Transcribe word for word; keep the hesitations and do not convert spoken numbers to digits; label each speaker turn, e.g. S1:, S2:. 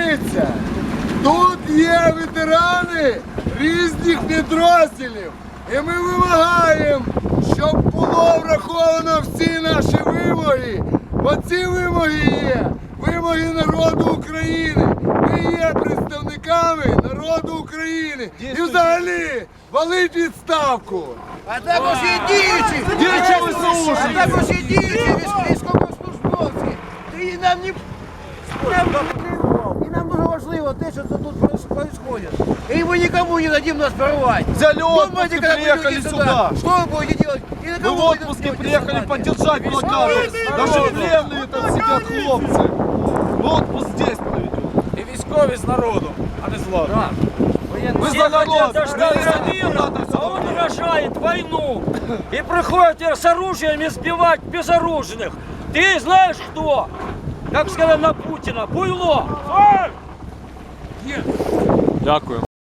S1: Дивіться, тут є ветерани різних підрозділів. І ми вимагаємо, щоб було враховано всі наші вимоги. Бо ці вимоги є вимоги народу України. Ми є представниками народу України. І взагалі валить відставку.
S2: А також і діючі,
S1: Діючі ВСУ.
S2: а також і діючі військовослужбовці. І нам не и нам дуже важливо те, що тут происходит. И мы никому не дадим нас порвать.
S3: Взяли отпуск и
S2: когда
S3: приехали
S2: придете
S3: сюда.
S2: Что вы будете делать? И на
S3: Мы
S2: кого
S3: в
S2: будете
S3: отпуске
S2: делать
S3: приехали
S2: солдаты?
S3: поддержать блокаду. Даже пленные там сидят хлопцы. Мы отпуск здесь проведем.
S4: І військові з народу, а не з влади.
S3: Мы
S5: Все
S3: за народ.
S5: хотят дождаться
S3: Мы
S5: мира,
S3: за
S5: а он рожает войну. И приходит с оружием избивать безоружных. Ты знаешь кто? Как сказали на Путина, буйло.
S4: Дякую.